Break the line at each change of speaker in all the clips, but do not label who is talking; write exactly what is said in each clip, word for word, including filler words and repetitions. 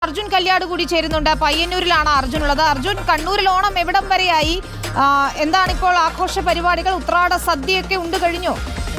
അർജുൻ കല്യാട് കൂടി ചേരുന്നുണ്ട്. പയ്യന്നൂരിലാണ് അർജുൻ ഉള്ളത്. അർജുൻ, കണ്ണൂരിൽ ഓണം എവിടം വരെയായി? എന്താണിപ്പോൾ ആഘോഷ പരിപാടികൾ? ഉത്രാട സദ്യയൊക്കെ ഉണ്ട് കഴിഞ്ഞു?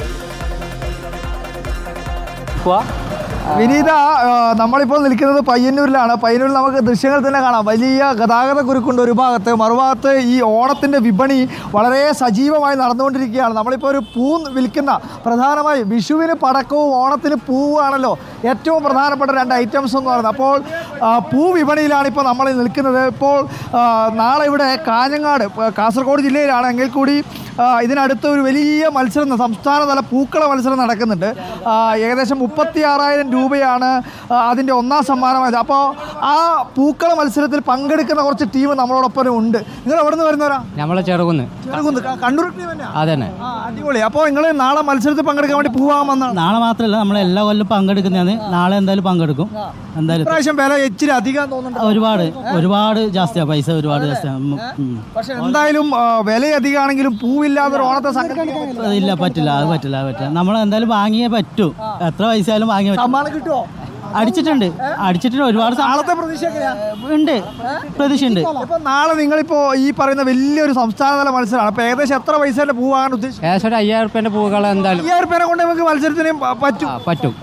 വിനീത, നമ്മളിപ്പോൾ നിൽക്കുന്നത് പയ്യന്നൂരിലാണ്. പയ്യന്നൂരിൽ നമുക്ക് ദൃശ്യങ്ങൾ തന്നെ കാണാം. വലിയ ഗതാഗത കുരുക്കുണ്ട് ഒരു ഭാഗത്ത്, മറുഭാഗത്ത് ഈ ഓണത്തിൻ്റെ വിപണി വളരെ സജീവമായി നടന്നുകൊണ്ടിരിക്കുകയാണ്. നമ്മളിപ്പോൾ ഒരു പൂ വിൽക്കുന്ന, പ്രധാനമായും വിഷുവിന് പടക്കവും ഓണത്തിന് പൂവാണല്ലോ ഏറ്റവും പ്രധാനപ്പെട്ട രണ്ട് ഐറ്റംസ് എന്ന് പറയുന്നത്. അപ്പോൾ പൂ വിപണിയിലാണ് ഇപ്പോൾ നമ്മൾ നിൽക്കുന്നത്. ഇപ്പോൾ നാളെ ഇവിടെ കാഞ്ഞങ്ങാട്, കാസർഗോഡ് ജില്ലയിലാണ്, എങ്കിൽ കൂടി ഇതിനടുത്ത് ഒരു വലിയ മത്സരം, സംസ്ഥാനതല പൂക്കള മത്സരം നടക്കുന്നുണ്ട്. ഏകദേശം മുപ്പത്തി ആറായിരം രൂപയാണ് അതിൻ്റെ ഒന്നാം സമ്മാനമായത്. അപ്പോൾ ആ പൂക്കള മത്സരത്തിൽ പങ്കെടുക്കുന്ന കുറച്ച് ടീം നമ്മളോടൊപ്പം ഉണ്ട്. നിങ്ങൾ എവിടെ നിന്ന് വരുന്നവരാ?
നമ്മളെ ചെറുകുന്ന്.
ചെറുകുന്ന് കണ്ണൂർ ടീം തന്നെ.
അതന്നെ.
അടിപൊളി. അപ്പോൾ നിങ്ങൾ നാളെ മത്സരത്തിൽ പങ്കെടുക്കാൻ വേണ്ടി പൂവാൻ വന്നതാണ്?
നാളെ മാത്രമല്ല, നമ്മൾ എല്ലാ കൊല്ലം പങ്കെടുക്കുന്നതാണ്. നാളെ എന്തായാലും പങ്കെടുക്കും. എന്തായാലും
പ്രാവശ്യം വില ഇച്ചിരി അധികം തോന്നുന്നുണ്ട്.
ഒരുപാട് ഒരുപാട് ജാസ്തിയാണ്, പൈസ ഒരുപാട് ജാസ്തിയാണ്.
പക്ഷെ എന്തായാലും വില അധികമാണെങ്കിലും പൂവില്ലാതെ ഓണത്തെ സംഘടിപ്പിക്കാൻ
ഇല്ല, പറ്റില്ല. അത് പറ്റില്ല, അത് പറ്റില്ല. നമ്മൾ എന്തായാലും വാങ്ങിയേ പറ്റൂ. എത്ര പൈസ ആയാലും വാങ്ങിയേ പറ്റും.
സമ്മാനം കിട്ടുമോ?
അടിച്ചിട്ടുണ്ട് അടിച്ചിട്ടുണ്ട് ഒരുപാട്.
നാളത്തെ പ്രതീക്ഷ
ഉണ്ട്, പ്രതീക്ഷ ഉണ്ട്.
ഇപ്പൊ നാളെ നിങ്ങളിപ്പോ ഈ പറയുന്ന വലിയൊരു സംസ്ഥാനതല മത്സരമാണ്. അപ്പൊ ഏകദേശം എത്ര പൈസയുടെ പൂ വാങ്ങാൻ ഉദ്ദേശിച്ചു?
ഏകദേശം ഒരു അയ്യായിരം റുപ്യന്റെ പൂക്കൾ എന്തായാലും.
അയ്യായിരം റുപ്യനെ കൊണ്ട് നമുക്ക് മത്സരത്തിന് പറ്റും
പറ്റും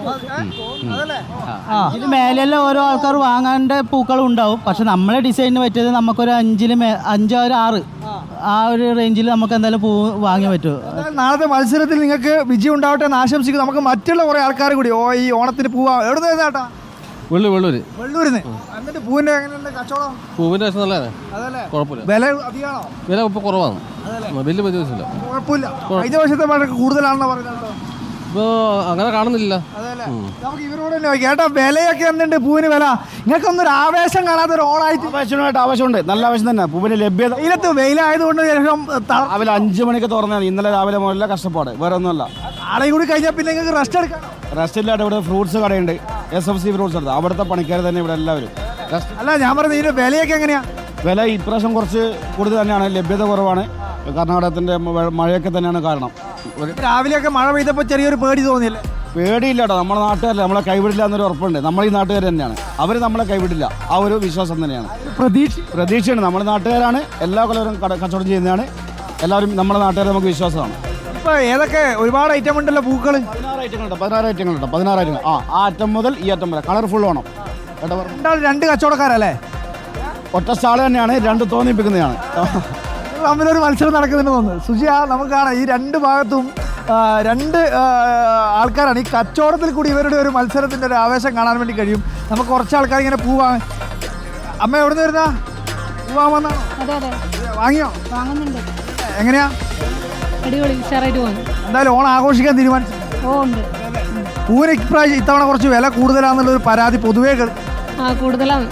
ഇതിന് മേലെല്ലാം ഓരോ ആൾക്കാർ വാങ്ങാൻ്റെ പൂക്കളും ഉണ്ടാവും. പക്ഷെ നമ്മളെ ഡിസൈനിന് പറ്റിയത് നമുക്കൊരു അഞ്ചില് മേ അഞ്ചോ ഒരു ആറ് ആ ഒരു റേഞ്ചിൽ നമുക്ക് എന്തായാലും പൂ വാങ്ങിയേ പറ്റുമോ.
നാളത്തെ മത്സരത്തിൽ നിങ്ങൾക്ക് വിജയം ഉണ്ടാവട്ടെ എന്ന് ആശംസിക്കും. നമുക്ക് മറ്റുള്ള കുറെ ആൾക്കാർ കൂടി ഓ ഈ ഓണത്തിന് പൂവാ എവിടെ നിന്ന് ചേട്ടാ?
വെള്ളൂര്
വെള്ളൂരിന്ന്. എന്നിട്ട് പൂവിന്റെ എങ്ങനെയുണ്ട് കച്ചവടം?
പൂവിന്റെ വശം നല്ലതാണ്, കുഴപ്പമില്ല.
വില അധികമാണോ?
വില ഇപ്പൊ കുറവാണ്, വലിയ വ്യത്യാസമില്ല.
കുഴപ്പമില്ല. കഴിഞ്ഞ വർഷത്തെ വളരെ കൂടുതലാണെന്ന് പറയുന്നത്.
ഇപ്പൊ അങ്ങനെ കാണുന്നില്ല.
നമുക്ക് ഇവരോട് തന്നെ ചോദിക്കാം. ഏട്ടാ, വിലയൊക്കെ എന്തുണ്ട് പൂവിന് വില? നിങ്ങൾക്കൊന്നും ഒരു ആവേശം കാണാത്ത ഒരു ഓണായിട്ട്?
ആവേശമായിട്ട് ആവശ്യമുണ്ട്, നല്ല ആവശ്യം തന്നെ. പൂവിന് ലഭ്യത
വെയിലത്ത് വെയിലായതുകൊണ്ട് ശേഷം
രാവിലെ അഞ്ചു മണിക്ക് തുറന്നാണ്. ഇന്നലെ രാവിലെ മുതലേ കഷ്ടപ്പാട്, വേറെ ഒന്നുമല്ല.
ആളെ കൂടി കഴിഞ്ഞാൽ പിന്നെ നിങ്ങൾക്ക് റെസ്റ്റ് എടുക്കാം.
റെസ്റ്റ് ഇല്ലാണ്ട് ഇവിടെ ഫ്രൂട്ട്സ് കടയുണ്ട്, എസ് എഫ് സി ഫ്രൂട്ട്സ് എടുത്ത്. അവിടുത്തെ പണിക്കാർ തന്നെ ഇവിടെ എല്ലാവരും.
അല്ല, ഞാൻ പറഞ്ഞത് ഇതിന്റെ വിലയൊക്കെ എങ്ങനെയാ?
വില ഇപ്രാവശ്യം കുറച്ച് കൂടുതൽ തന്നെയാണ്, ലഭ്യത കുറവാണ്. കർണാടകത്തിന്റെ മഴയൊക്കെ തന്നെയാണ് കാരണം.
രാവിലെയൊക്കെ മഴ പെയ്തപ്പോൾ ചെറിയൊരു പേടി തോന്നിയില്ലേ?
പേടിയില്ല കേട്ടോ, നമ്മുടെ നാട്ടുകാരല്ല, നമ്മളെ കൈവിടില്ല എന്നൊരു ഉറപ്പുണ്ട്. നമ്മൾ ഈ നാട്ടുകാർ തന്നെയാണ്, അവർ നമ്മളെ കൈവിടില്ല, ആ ഒരു വിശ്വാസം തന്നെയാണ്.
പ്രതീക്ഷ
പ്രതീക്ഷയാണ്. നമ്മുടെ നാട്ടുകാരാണ്, എല്ലാ കൊല്ലവരും കച്ചവടം ചെയ്യുന്നതാണ്. എല്ലാവരും നമ്മുടെ നാട്ടുകാർ നമുക്ക് വിശ്വാസമാണ്.
ഇപ്പൊ ഏതൊക്കെ ഒരുപാട് ഐറ്റം ഉണ്ടല്ലോ പൂക്കൾ?
പതിനാറ് ഐറ്റങ്ങളുണ്ട് പതിനാറ് ഐറ്റങ്ങളുണ്ട് പതിനാറ് ഐറ്റങ്ങൾ. ആ ആ അറ്റം മുതൽ ഈ അറ്റം വരെ കളർഫുൾ വേണം കേട്ടോ.
രണ്ടാൾ രണ്ട് കച്ചവടക്കാരല്ലേ?
ഒറ്റ സ്റ്റാള് തന്നെയാണ്, രണ്ട് തോന്നിപ്പിക്കുന്നതാണ്.
തമ്മിലൊരു മത്സരം നടക്കുന്നുണ്ടെന്ന് തോന്നുന്നു. സുജിയ, നമുക്ക് കാണാം ഈ രണ്ട് ഭാഗത്തും രണ്ട് ആൾക്കാരാണ്. ഈ കച്ചവടത്തിൽ കൂടി ഇവരുടെ ഒരു മത്സരത്തിൻ്റെ ഒരു ആവേശം കാണാൻ വേണ്ടി കഴിയും. നമുക്ക് കുറച്ച് ആൾക്കാർ ഇങ്ങനെ പൂവാങ്ങ. അമ്മ എവിടെ നിന്ന് വരുന്ന പൂവാൻ വന്നാണോ? വാങ്ങിയോ?
വാങ്ങുന്നുണ്ട്.
എങ്ങനെയാ?
അടിപൊളി, ഉഷാറായിട്ട് പോകുന്നു.
എന്തായാലും ഓണം ആഘോഷിക്കാൻ തീരുമാനിച്ചു?
ഓ, ഉണ്ട്.
പൂവിന് ഇപ്രാവശ്യം ഇത്തവണ കുറച്ച് വില കൂടുതലാണെന്നുള്ളൊരു പരാതി പൊതുവേ
ആ കൂടുതലാണ്.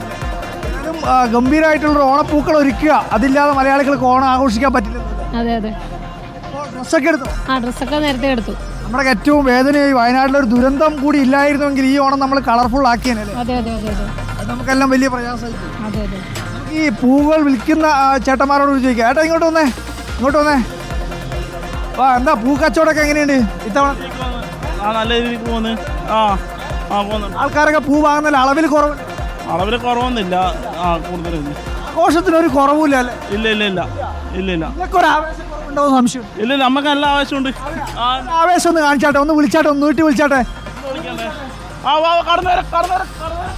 ഗംഭീരമായിട്ടുള്ള ഓണപ്പൂക്കൾ ഒരുക്കുക, അതില്ലാതെ മലയാളികൾക്ക് ഓണം ആഘോഷിക്കാൻ പറ്റില്ല.
അതെ അതെ.
ഡ്രസ്സൊക്കെ എടുത്തു?
ആ ഡ്രസ്സൊക്കെ നേരത്തെ എടുത്തു.
നമ്മുടെ ഏറ്റവും വേദനയായി വയനാട്ടിലൊരു ദുരന്തം കൂടി ഇല്ലായിരുന്നെങ്കിൽ ഈ ഓണം നമ്മൾ കളർഫുൾ ആക്കിയല്ലേ?
അതെ അതെ അതെ അതെ.
അത് നമുക്കെല്ലാം വലിയ പ്രയാസമായിരിക്കും.
അതെ അതെ.
ഈ പൂവുകൾ വിൽക്കുന്ന ചേട്ടന്മാരോട് ചോദിക്കാം. ഏട്ടാ, ഇങ്ങോട്ട് വന്നേ, ഇങ്ങോട്ട് വന്നേ. ആ, എന്താ പൂ കച്ചവടമൊക്കെ എങ്ങനെയുണ്ട് ഇത്തവണ?
നല്ല രീതിക്ക് പോകുന്നു. ആ ആ പോകുന്നുണ്ട്.
ആൾക്കാരൊക്കെ പൂ വാങ്ങുന്നതിൽ അളവിൽ കുറവ്?
അളവിൽ കുറവൊന്നുമില്ല, ആ കൂടുതലൊന്നും.
ആഘോഷത്തിനൊരു കുറവില്ല അല്ലേ?
ഇല്ല ഇല്ല ഇല്ല ഇല്ല ഇല്ല
ഇതൊക്കെ ഒരു ആവേശം കുറവുണ്ടാവും സംശയം?
ഇല്ല ഇല്ല, നമുക്ക് നല്ല ആവശ്യമുണ്ട്. ആ
ആവേശം ഒന്ന് കാണിച്ചാട്ടെ, ഒന്ന് വിളിച്ചാട്ടെ, ഒന്ന് വീട്ടിൽ വിളിച്ചാട്ടെ.
ആ വാ കടന്നു വരാം കടന്നു വരാം.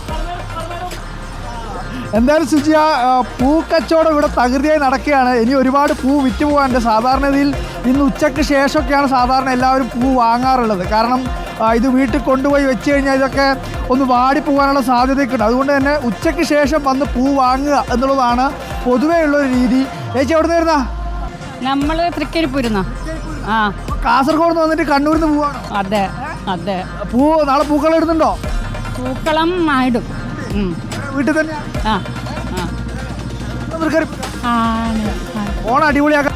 എന്തായാലും സുജിയ, പൂ കച്ചവടം ഇവിടെ തകൃതിയായി നടക്കുകയാണ്. ഇനി ഒരുപാട് പൂ വിറ്റ് പോകാനുണ്ട്. സാധാരണയിൽ ഇന്ന് ഉച്ചയ്ക്ക് ശേഷമൊക്കെയാണ് സാധാരണ എല്ലാവരും പൂ വാങ്ങാറുള്ളത്. കാരണം ഇത് വീട്ടിൽ കൊണ്ടുപോയി വെച്ച് കഴിഞ്ഞാൽ ഇതൊക്കെ ഒന്ന് വാടിപ്പോകാനുള്ള സാധ്യതയൊക്കെ ഉണ്ട്. അതുകൊണ്ട് തന്നെ ഉച്ചയ്ക്ക് ശേഷം വന്ന് പൂ വാങ്ങുക എന്നുള്ളതാണ് പൊതുവേ ഉള്ളൊരു രീതി. ചേച്ചി എവിടെ നിന്ന് വരുന്ന?
നമ്മൾ തൃക്കരിപ്പൂരുന്ന. ആ
കാസർഗോഡ് നിന്ന് വന്നിട്ട് കണ്ണൂരിൽ നിന്ന് പോവാണ്?
അതെ അതെ.
പൂ നാളെ പൂക്കളം ഇടുന്നുണ്ടോ?
പൂക്കളം ഇടും.
വീട്ടിൽ തന്നെ?
ആ ആ.
ഓണം അടിപൊളിയാക്കാം.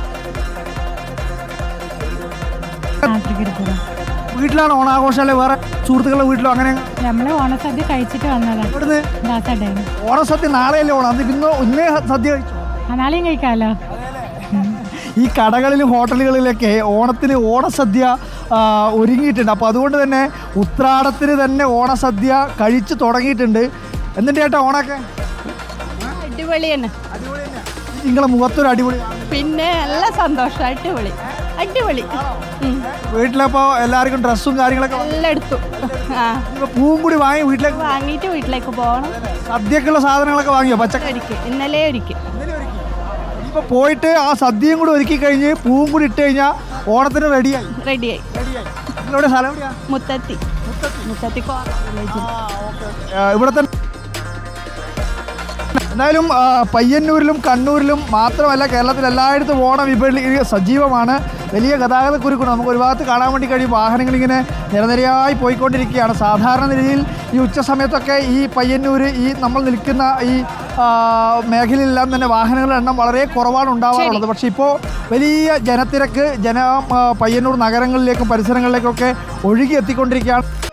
വീട്ടിലാണ് ഓണാഘോഷം അല്ലെ വേറെ സുഹൃത്തുക്കളുടെ വീട്ടിലോ? അങ്ങനെ
നമ്മള് ഓണസദ്യ കഴിച്ചിട്ട് വന്നതാണ്.
ഇവിടുന്ന് ഓണസദ്യ നാളെയല്ലേ ഓണം? അത് ഇന്നോ ഇന്നേ സദ്യ കഴിച്ചു?
നാളെയും കഴിക്കാമല്ലോ.
ഈ കടകളിലും ഹോട്ടലുകളിലൊക്കെ ഓണത്തിന് ഓണസദ്യ ഒരുങ്ങിയിട്ടുണ്ട്. അപ്പോൾ അതുകൊണ്ട് തന്നെ ഉത്രാടത്തിന് തന്നെ ഓണസദ്യ കഴിച്ചു തുടങ്ങിയിട്ടുണ്ട്. എന്നിട്ട് ചേട്ടാ ഓണൊക്കെ
അടിപൊളി തന്നെ.
നിങ്ങളെ മുഖത്തൊരു അടിപൊളി.
പിന്നെ നല്ല സന്തോഷം. അടിപൊളി അടിപൊളി.
വീട്ടിലപ്പോ എല്ലാവർക്കും ഡ്രസ്സും കാര്യങ്ങളൊക്കെ
എല്ലാം എടുത്തു. ആ
ഇപ്പൊ പൂവും കൂടി വാങ്ങി വീട്ടിലേക്ക്
വാങ്ങിയിട്ട് വീട്ടിലേക്ക് പോകണം.
സദ്യക്കുള്ള സാധനങ്ങളൊക്കെ വാങ്ങിയോ? പച്ചക്കറി
ഒരിക്കൽ ഇന്നലെ ഒരിക്കൽ
ഇപ്പൊ പോയിട്ട് ആ സദ്യയും കൂടി ഒരുക്കി കഴിഞ്ഞ് പൂവും കൂടി ഇട്ട് കഴിഞ്ഞാൽ ഓണത്തിന് റെഡിയായി.
റെഡിയായി.
നിങ്ങളുടെ സ്ഥലം എവിടെയാ?
മുത്തത്തി മുത്തത്തി
ഇവിടെ തന്നെ. എന്തായാലും പയ്യന്നൂരിലും കണ്ണൂരിലും മാത്രമല്ല കേരളത്തിൽ എല്ലായിടത്തും ഓണ വിപണി സജീവമാണ്. വലിയ ഗതാഗത കുരുക്കുണ്ട്. നമുക്ക് ഒരു ഭാഗത്ത് കാണാൻ വേണ്ടി കഴിയും വാഹനങ്ങളിങ്ങനെ നിരനിരയായി പോയിക്കൊണ്ടിരിക്കുകയാണ്. സാധാരണ രീതിയിൽ ഈ ഉച്ച സമയത്തൊക്കെ ഈ പയ്യന്നൂർ ഈ നമ്മൾ നിൽക്കുന്ന ഈ മേഖലയിലെല്ലാം തന്നെ വാഹനങ്ങളുടെ എണ്ണം വളരെ കുറവാണ് ഉണ്ടാവാറുള്ളത്. പക്ഷേ ഇപ്പോൾ വലിയ ജനത്തിരക്ക് ജന പയ്യന്നൂർ നഗരങ്ങളിലേക്കും പരിസരങ്ങളിലേക്കൊക്കെ ഒഴുകി എത്തിക്കൊണ്ടിരിക്കുകയാണ്.